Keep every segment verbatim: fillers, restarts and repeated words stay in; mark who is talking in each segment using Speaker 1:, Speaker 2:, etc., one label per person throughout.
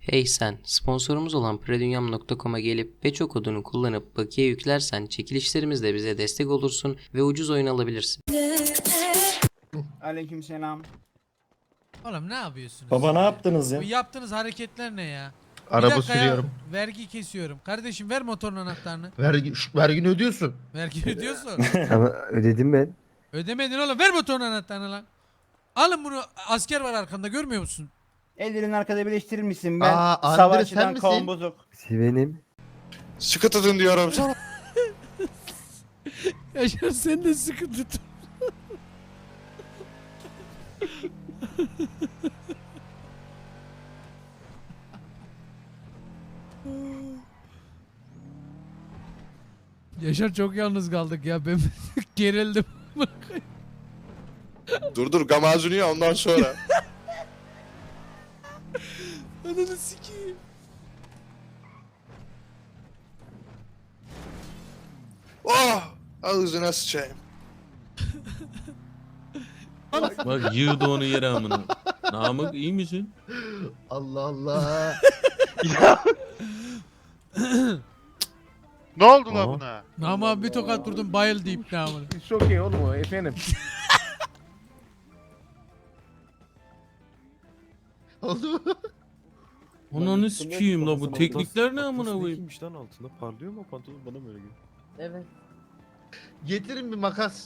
Speaker 1: Hey sen, sponsorumuz olan predunyam nokta com'a gelip Peço kodunu kullanıp bakiye yüklersen çekilişlerimizde bize destek olursun ve ucuz oyun alabilirsin.
Speaker 2: Aleykümselam.
Speaker 3: Oğlum ne yapıyorsunuz?
Speaker 4: Baba
Speaker 3: siz
Speaker 4: ne
Speaker 3: ya?
Speaker 4: yaptınız ya?
Speaker 3: Bu yaptığınız hareketler ne ya? Bir
Speaker 5: Araba
Speaker 3: dakika ya,
Speaker 5: sürüyorum.
Speaker 3: vergi kesiyorum. Kardeşim ver motorun anahtarını.
Speaker 5: Vergi, şş, vergini ödüyorsun.
Speaker 3: Vergi ödüyorsun.
Speaker 6: Ama ödedim ben.
Speaker 3: Ödemedin oğlum, ver motorun anahtarını lan. Alın bunu, asker var arkamda, görmüyor musun?
Speaker 2: Ellerini arkada birleştirir misin? Ben
Speaker 5: Aa, Andre sen
Speaker 2: savaşçıdan
Speaker 5: misin?
Speaker 2: kavun bozuk.
Speaker 6: Benim.
Speaker 7: Sıkı tutun diyorum sana.
Speaker 3: Yaşar sen de sıkı tut. Yaşar çok yalnız kaldık ya, ben gerildim.
Speaker 7: Dur dur gamazını ya ondan sonra.
Speaker 3: Ananı sikeyim.
Speaker 7: Oh! Ağzına sıçayım.
Speaker 8: Bak yığdı onu yere amına. Namık iyi misin?
Speaker 5: Allah Allah.
Speaker 9: Ne oldu lan
Speaker 8: Aa.
Speaker 9: buna?
Speaker 3: Ama bir tokat vurdum, bayıl deyip ne amına.
Speaker 4: Çok iyi oğlum o efendim.
Speaker 5: Oldu mu?
Speaker 8: Ananı sikeyim la bu teknikler ne amına koyayım?
Speaker 10: Neymiş lan altında parlıyor mu pantolon bana mı öyle geliyor?
Speaker 11: Evet.
Speaker 5: Getirin bir makas.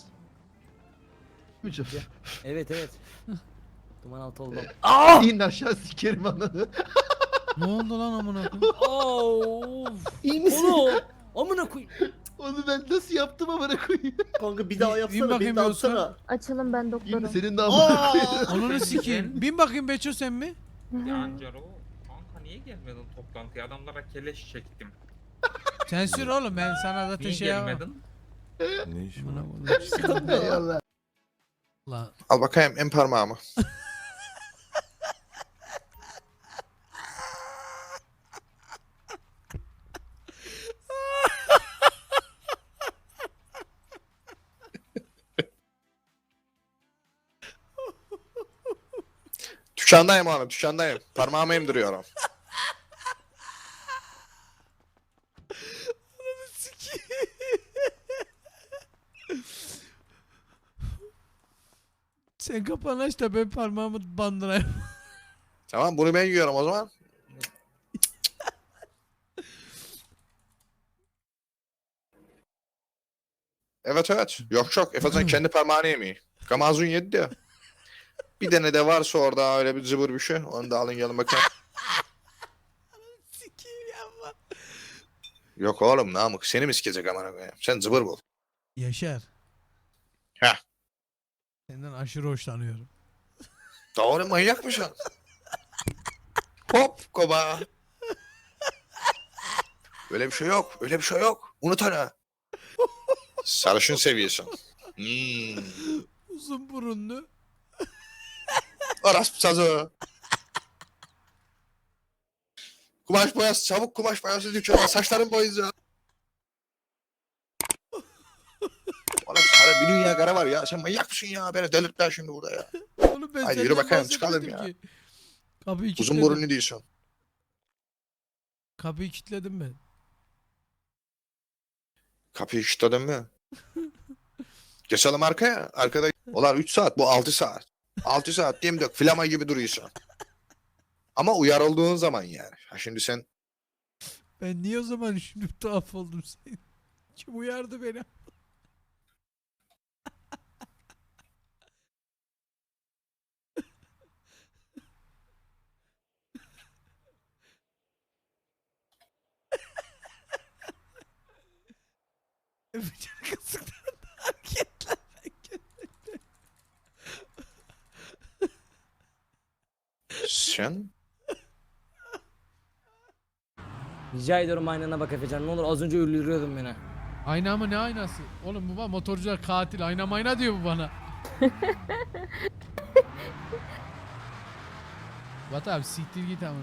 Speaker 11: Evet evet. Duman altı oldum.
Speaker 5: İn aşağı sikerim ananı.
Speaker 3: Ne oldu lan amına koyayım?
Speaker 11: Of.
Speaker 5: İyi misin?
Speaker 11: Oğlum. Amına koy.
Speaker 5: Onu ben nasıl yaptım amına koyayım?
Speaker 11: Kanka bir
Speaker 3: daha yapsana, bin beni de bakayım atsana.
Speaker 12: Açalım ben
Speaker 5: İyi
Speaker 12: doktorum.
Speaker 5: mi senin de amına koyayım?
Speaker 3: Ananı sikeyim. Bin bakayım Beço sen mi?
Speaker 13: Yancaro, kanka niye gelmedin toplantıya? Adamlara keleş çektim.
Speaker 3: Sen sür oğlum, ben sana zaten
Speaker 13: Niye
Speaker 3: şey yapamam.
Speaker 13: gelmedin?
Speaker 10: Ne işin
Speaker 3: Amına
Speaker 10: var?
Speaker 3: koyayım.
Speaker 5: Eyvallah.
Speaker 3: Lan
Speaker 7: Al bakayım en parmağımı. Dükkandayım oğlum dükkandayım. Parmağımı emdiriyorum.
Speaker 3: sen kapağını aç da ben parmağımı bandırayım.
Speaker 7: Tamam bunu ben yiyorum o zaman. Evet evet. Yok yok. Efecan kendi parmağını yemiyor. Gamazun yedi ya. Bir tane de varsa orada öyle bir zıbır bir şey. Onu da alın gelin bakayım.
Speaker 3: Sikeyim yapma.
Speaker 7: Yok oğlum Namık seni mi sikecek amına koyayım? Sen zıbır bul.
Speaker 3: Yaşar.
Speaker 7: Heh.
Speaker 3: Senden aşırı hoşlanıyorum.
Speaker 7: Doğru manyak mısın? Hop koba. Öyle bir şey yok. Öyle bir şey yok. Unut onu. Sarışın seviyorsun. Hmm.
Speaker 3: Uzun burunlu.
Speaker 7: Orası sazı. Kumaş boyası çabuk kumaş boyası dükkanına saçların boyayacağım. Oğlum sarı bir dünya kara var ya. Sen manyak mısın ya? Beni delirtler şimdi burada ya.
Speaker 3: Oğlum ben
Speaker 7: Hadi yürü
Speaker 3: senden
Speaker 7: bakayım, çıkalım
Speaker 3: bahsetmedim
Speaker 7: ya.
Speaker 3: ki. Kapıyı
Speaker 7: Uzun
Speaker 3: kilitledim.
Speaker 7: burunlu diyorsun.
Speaker 3: Kapıyı kilitledim ben.
Speaker 7: Kapıyı kilitledin mi? Geçelim arkaya. Arkada. Ulan üç saat bu altı saat. altı saat diyeyim dök. Flama gibi duruyorsun. Ama uyar olduğun zaman yani. Ha şimdi sen
Speaker 3: Ben niye o zaman şimdi tuhaf oldum sen? Kim uyardı beni? Öpücük kısıklarında hareketler.
Speaker 7: sen
Speaker 11: Rica ediyorum aynana bak Efecan. Ne olur az önce öldürüyordun beni.
Speaker 3: Ayna mı, ne aynası? Oğlum bu bana motorcular katil. Ayna mayna diyor bu bana. Bat abi siktir git amına.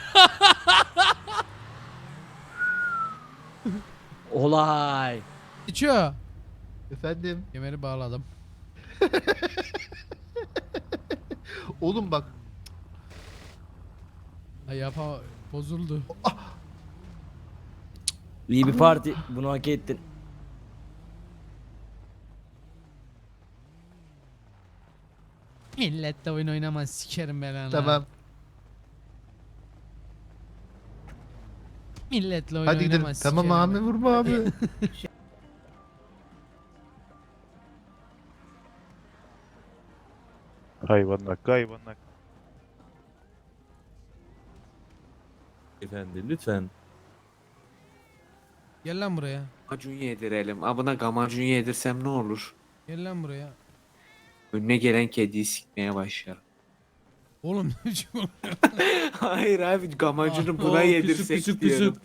Speaker 11: Olay.
Speaker 3: İçiyor.
Speaker 5: Efendim.
Speaker 3: Kemeri bağladım.
Speaker 5: Oğlum bak.
Speaker 3: Ay yapama. Bozuldu.
Speaker 11: İyi bir parti. Bunu hak ettin.
Speaker 3: Milletle oyun oynamaz sikerim ben ana.
Speaker 5: Tamam.
Speaker 3: Milletle oyun
Speaker 5: Hadi gidelim.
Speaker 3: oynamaz
Speaker 5: Tamam
Speaker 3: sikerim
Speaker 5: abi
Speaker 3: ben.
Speaker 5: vurma abi.
Speaker 10: Hayvanlar, hayvanlar.
Speaker 8: Efendi lütfen.
Speaker 3: Gel lan buraya.
Speaker 4: Gamacun yedirelim. Abına gamacun yedirsem ne olur?
Speaker 3: Gel lan buraya.
Speaker 4: Önüne gelen kediyi sikmeye başlar.
Speaker 3: Oğlum ne biçim oluyor?
Speaker 4: Hayır abi gamacunu
Speaker 3: Ah,
Speaker 4: buna
Speaker 3: oh,
Speaker 4: yedirsek
Speaker 8: küsüp küsüp
Speaker 4: diyorum.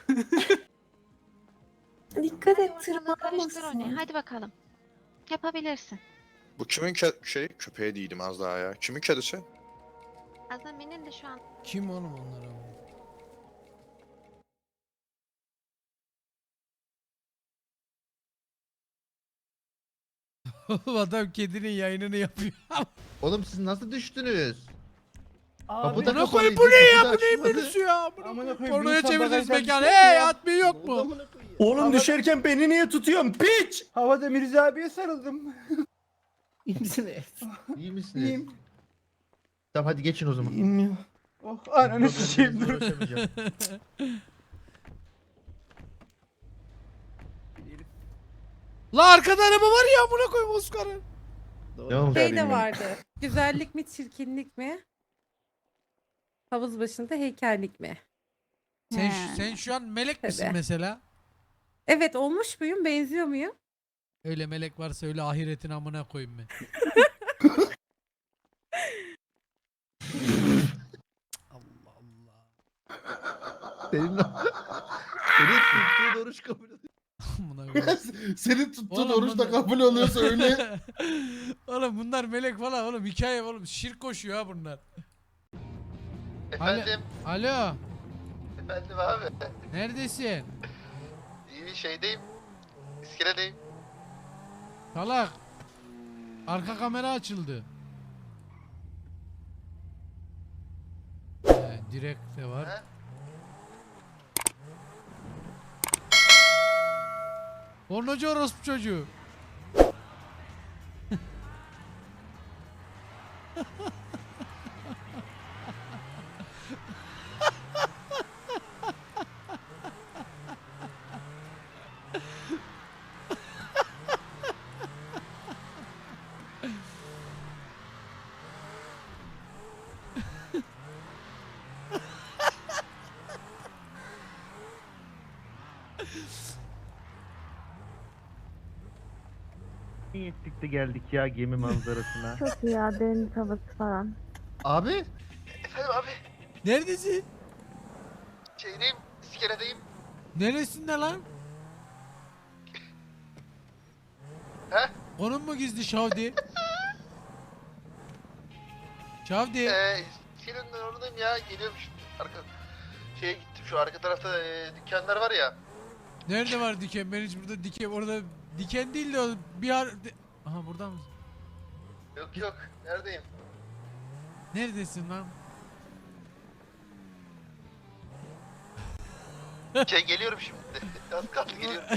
Speaker 12: Dikkat et tırmanmasın.
Speaker 14: Karıştır onu. Hadi bakalım. Yapabilirsin.
Speaker 7: Bu kimin ke- şey köpeği değilim az daha ya. Kimin kedisi?
Speaker 14: Azami'nin de şu an
Speaker 3: Kim oğlum onlar abi? Oğlum adam kedinin yayınını yapıyor.
Speaker 5: Oğlum siz nasıl düştünüz?
Speaker 2: Abi,
Speaker 5: Kapıda
Speaker 3: Buna koy
Speaker 5: kapalıydı,
Speaker 3: bu ne ya?
Speaker 5: kapı da
Speaker 3: Bu neyin
Speaker 5: açılmadı.
Speaker 3: menüsü ya? Buna
Speaker 2: Amına
Speaker 3: koy.
Speaker 2: koyayım,
Speaker 3: Pornoya
Speaker 2: bir insan
Speaker 3: çevirdiniz
Speaker 2: bagajdan
Speaker 3: mekanı.
Speaker 2: düştü
Speaker 3: Hey
Speaker 2: ya.
Speaker 3: admin yok mu?
Speaker 6: Oğlum düşerken beni niye tutuyorsun piç?
Speaker 2: Havada Mirza abiye sarıldım. İyi misiniz?
Speaker 5: İyi misiniz?
Speaker 2: İyiyim.
Speaker 5: Tamam hadi geçin o zaman.
Speaker 2: İyiyim ya. Oh ananı sıçayım dur.
Speaker 5: Uğraşamayacağım.
Speaker 3: La arkada araba var ya buna koyayım Oscar'ı.
Speaker 5: Devam
Speaker 12: Şey
Speaker 5: edin.
Speaker 12: de vardı. Güzellik mi çirkinlik mi? Havuz başında heykellik mi?
Speaker 3: Sen,
Speaker 12: He.
Speaker 3: sen şu an melek misin
Speaker 12: Tabii.
Speaker 3: mesela?
Speaker 12: Evet olmuş muyum? Benziyor muyum?
Speaker 3: Öyle melek varsa öyle ahiretin amına koyayım ben. Allah Allah.
Speaker 5: Senin, senin tuttuğun oruç kabul oluyor.
Speaker 3: Amına koyayım.
Speaker 5: Senin tuttuğun
Speaker 3: Oğlum
Speaker 5: oruç da
Speaker 3: bunlar-
Speaker 5: kabul oluyorsa öyle.
Speaker 3: Oğlum bunlar melek falan oğlum hikaye oğlum şirk koşuyor ha bunlar.
Speaker 5: Efendim,
Speaker 3: Alo
Speaker 5: efendim abi.
Speaker 3: neredesin?
Speaker 5: İyi şeydeyim. İskeledeyim.
Speaker 3: Salak. Arka kamera açıldı. Ee, direkt de var.
Speaker 5: He?
Speaker 3: Pornocu orospu çocuğu.
Speaker 5: İyi ettik de geldik ya gemi manzarasına.
Speaker 12: Çok iyi ya deniz havası falan.
Speaker 5: Abi. Efendim abi.
Speaker 3: Neredesin?
Speaker 5: Şeydeyim. İskeledeyim.
Speaker 3: Neresinde lan?
Speaker 5: He?
Speaker 3: Onun mu gizli Şavdi? Şavdi.
Speaker 5: Eee İskelenin oradayım ya. Geliyorum şimdi. Arka şeye gittim şu arka tarafta e, dükkanlar var ya.
Speaker 3: Nerede var diken? Ben hiç burada diken orada diken değil de o bir ar... de- Aha burada mısın?
Speaker 5: Yok yok. Neredeyim?
Speaker 3: Neredesin lan?
Speaker 5: Şey geliyorum şimdi. Az kaldı geliyorum.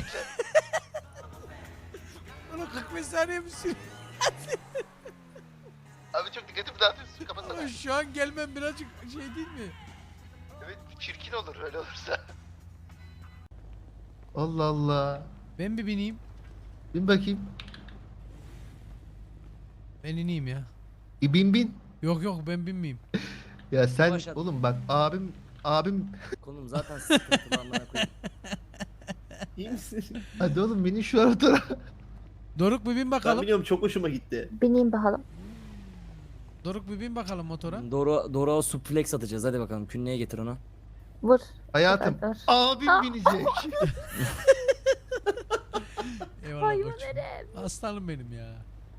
Speaker 3: Oğlum kırk beş saniye mi sürüyor?
Speaker 5: Abi çok dikkatimi dağıtıyorsun. Kapatsana.
Speaker 3: Ama şu an gelmem birazcık şey değil mi?
Speaker 5: Evet çirkin olur öyle olursa. Allah Allah.
Speaker 3: Ben bir bineyim.
Speaker 5: Bin bakayım.
Speaker 3: Ben ineyim ya.
Speaker 5: E, bin bin.
Speaker 3: Yok yok ben binmeyeyim.
Speaker 5: Ya sen
Speaker 11: Başlat.
Speaker 5: oğlum bak abim abim
Speaker 11: Konum zaten sıkıntılı amına koyayım.
Speaker 2: İyi misin?
Speaker 5: hadi oğlum beni şu arada.
Speaker 3: Doruk bir bin bakalım.
Speaker 10: biliyorum çok hoşuma gitti.
Speaker 12: Bineyim bakalım.
Speaker 3: Doruk bir bin bakalım motora.
Speaker 11: Doğru doğru suplex atacağız hadi bakalım. Künneye getir onu.
Speaker 12: Vur.
Speaker 5: Hayatım
Speaker 12: Dur.
Speaker 5: abim
Speaker 12: Ah.
Speaker 5: binecek.
Speaker 3: Eyvallah koç. Aslanım benim ya.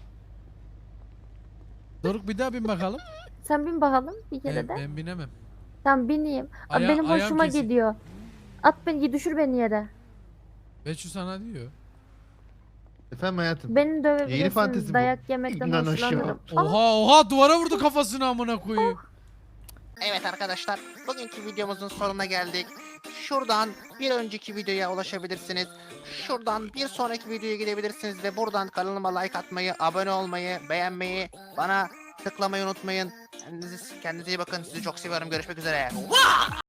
Speaker 3: Doruk bir daha bin bakalım.
Speaker 12: Sen bin bakalım bir kere
Speaker 3: Ben,
Speaker 12: de.
Speaker 3: ben binemem.
Speaker 12: Sen bineyim. Abi
Speaker 3: Aya-
Speaker 12: benim
Speaker 3: ayağım
Speaker 12: hoşuma
Speaker 3: kesik.
Speaker 12: gidiyor. At beni düşür beni yere.
Speaker 3: Beçü sana diyor.
Speaker 5: Efendim hayatım.
Speaker 12: Beni
Speaker 5: Yeni
Speaker 12: dövebilirsiniz.
Speaker 5: fantezi bu.
Speaker 12: Dayak yemekten
Speaker 5: İnan aşağı.
Speaker 12: hoşlanırım.
Speaker 3: Oha oha duvara vurdu kafasını amına koyayım.
Speaker 2: Evet arkadaşlar, bugünkü videomuzun sonuna geldik. Şuradan bir önceki videoya ulaşabilirsiniz. Şuradan bir sonraki videoya gidebilirsiniz ve buradan kanalıma like atmayı, abone olmayı, beğenmeyi, bana tıklamayı unutmayın. Kendinize, kendinize iyi bakın. Sizi çok seviyorum. Görüşmek üzere.